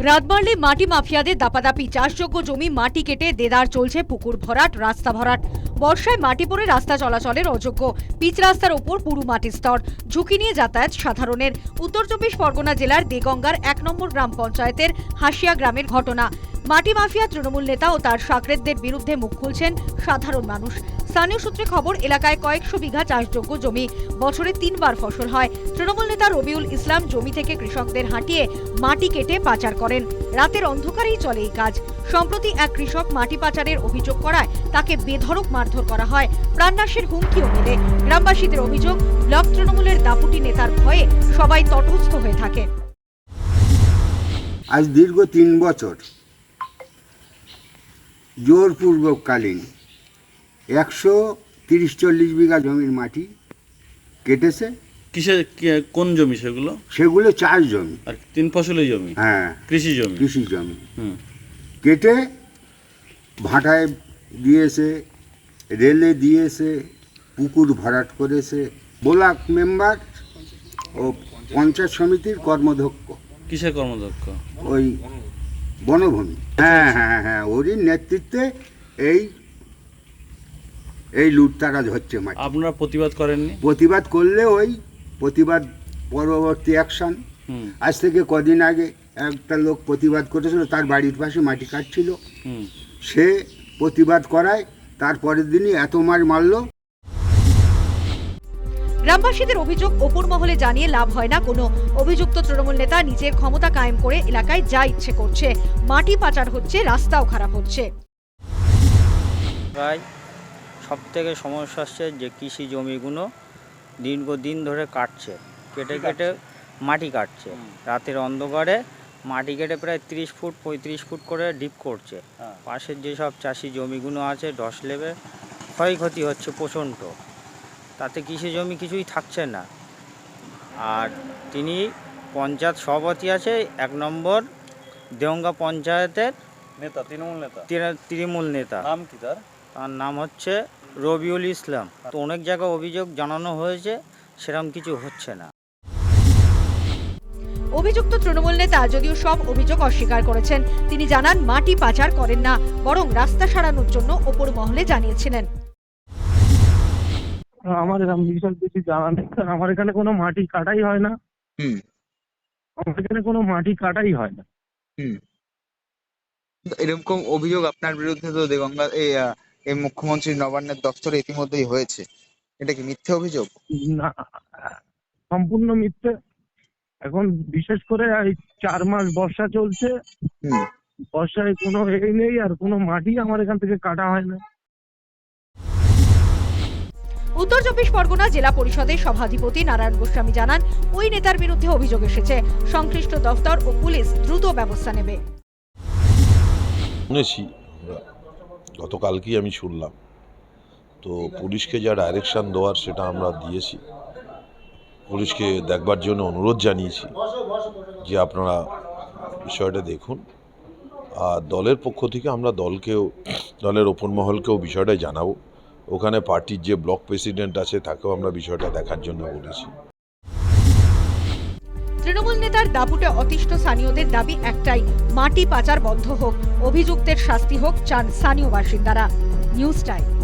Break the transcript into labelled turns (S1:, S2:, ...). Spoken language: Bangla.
S1: রাত বাড়লে মাটি মাফিয়াদের দাপাদাপি, চাষযোগ্য জমি মাটি কেটে দেদার চলছে, পুকুর ভরাট, রাস্তা ভরাট। বর্ষায় মাটি পড়ে রাস্তা চলাচলের অযোগ্য, পিচ রাস্তার ওপর পুরু মাটির স্তর, ঝুঁকি নিয়ে যাতায়াত সাধারণের। উত্তর চব্বিশ পরগনা জেলার দেগঙ্গার ১ নম্বর গ্রাম পঞ্চায়েতের হাসিয়া গ্রামের ঘটনা। মাটি মাফিয়া তৃণমূল নেতা ও তার শাকরেদদের বিরুদ্ধে মুখ খুলছেন সাধারণ মানুষ। স্থানীয় সূত্রে খবর, এলাকায় কয়েকশো বিঘা চাষযোগ্য জমি, বছরে ৩ বার ফসল হয়। তৃণমূল নেতা রবিউল ইসলাম জমি থেকে কৃষকদের হাঁটিয়ে মাটি কেটে পাচার করেন। রাতের অন্ধকারেই চলে এই কাজ। সম্প্রতি এক কৃষক মাটি পাচারের অভিযোগ করায় তাকে বেধড়ক মারধর করা হয়, প্রাণনাশের হুমকিও মেলে। গ্রামবাসীদের অভিযোগ, ব্লক তৃণমূলের দাপুটি নেতার ভয়ে সবাই তটস্থ হয়ে থাকে।
S2: আজ দীর্ঘ ৩ বছর জোরপূর্বককালীন ১৩০-৪০ বিঘা জমির মাটি কেটেছে।
S3: কোন জমি সেগুলো?
S2: সেগুলো চাষ জমি
S3: আর 3 ফসলের জমি।
S2: হ্যাঁ,
S3: কৃষি জমি।
S2: কৃষি জমি কেটে ভাটায় দিয়েছে, রেলে দিয়েছে, পুকুর ভরাট করেছে। ব্লক মেম্বার ও পঞ্চায়েত সমিতির কর্মধ্যক্ষ।
S3: কিসের কর্মদক্ষ?
S2: ওই বনভূমি। হ্যাঁ, ওরই নেতৃত্বে এই লুটতারাজ হচ্ছে মাটি।
S3: আপনারা প্রতিবাদ করেননি?
S2: প্রতিবাদ করলে ওই প্রতিবাদ পরবর্তী অ্যাকশন। আজ থেকে কদিন আগে একটা লোক প্রতিবাদ করেছিল, তার বাড়ির পাশে মাটি কাটছিল, সে প্রতিবাদ করায় তার পরের দিনই এত মার মারলো।
S1: গ্রামবাসীদের অভিযোগ, ওপর মহলে জানিয়ে লাভ হয় না কোনো। অভিযুক্ত তৃণমূল নেতা নিজের ক্ষমতা কায়েম করে এলাকায় যা ইচ্ছে করছে। মাটি পাচার হচ্ছে, রাস্তাও খারাপ হচ্ছে।
S4: সব থেকে সমস্যা হচ্ছে যে কৃষি জমিগুলো দীর্ঘদিন ধরে কাটছে, কেটে মাটি কাটছে। রাতের অন্ধকারে মাটি কেটে প্রায় 30 ফুট 35 ফুট করে ডিপ করছে। পাশের যেসব চাষি জমিগুলো আছে ধস লেবে ক্ষয়ক্ষতি হচ্ছে প্রচণ্ড, তাতে কৃষি জমি কিছুই থাকছে না। আর তিনি পঞ্চায়েত সভাপতি আছে ১ নম্বর দেগঙ্গা পঞ্চায়েতের
S3: নেতা,
S4: তৃণমূল নেতা।
S3: নাম কি তার?
S4: তার নাম হচ্ছে রবিউল ইসলাম। তো অনেক জায়গায় অভিযোগ জানানো হয়েছে, সেরকম কিছু হচ্ছে না।
S1: অভিযুক্ত তৃণমূল নেতা যদিও সব অভিযোগ অস্বীকার করেছেন। তিনি জানান, মাটি পাচার করেন না, বরং রাস্তা সারানোর জন্য ওপর মহলে জানিয়েছিলেন।
S5: আমার বিশাল কিছু জানা নেই, কারণ আমার এখানে কোনো মাটি কাটাই হয় না। আমার এখানে কোনো মাটি কাটাই হয় না।
S6: এরকম অভিযোগ আপনার বিরুদ্ধে তো দেগঙ্গা এই মুখ্যমন্ত্রী নবান্নের দপ্তরে ইতিমধ্যেই হয়েছে, এটা কি মিথ্যে অভিযোগ?
S5: না, সম্পূর্ণ মিথ্যে। এখন বিশেষ করে এই 4 মাস বর্ষা চলছে, বর্ষায় কোনো নেই, আর কোনো মাটি আমার এখান থেকে কাটা হয় না।
S1: উত্তর চব্বিশ পরগনা জেলা পরিষদের সভাধিপতি নারায়ণ গোস্বামী জানান, ওই নেতার বিরুদ্ধে অভিযোগ এসেছে। সংশ্লিষ্ট দফতর ও পুলিশ দ্রুত ব্যবস্থা নেবে।
S7: শুনেছি, গতকালকেই আমি শুনলাম, তো পুলিশকে যা ডাইরেকশন দেওয়ার সেটা আমরা দিয়েছি। পুলিশকে দেখবার জন্য অনুরোধ জানিয়েছি যে আপনারা বিষয়টা দেখুন। আর দলের পক্ষ থেকে আমরা দলের ওপর মহলকেও বিষয়টা জানাবো। ওখানে পার্টির যে ব্লক প্রেসিডেন্ট আছে তাকেও আমরা বিষয়টা দেখার জন্য বলেছি।
S1: তৃণমূল নেতার দাপুটে অতিষ্ঠ স্থানীয়দের দাবি একটাই, মাটি পাচার বন্ধ হোক, অভিযুক্তের শাস্তি হোক চান স্থানীয় বাসিন্দারা। News time.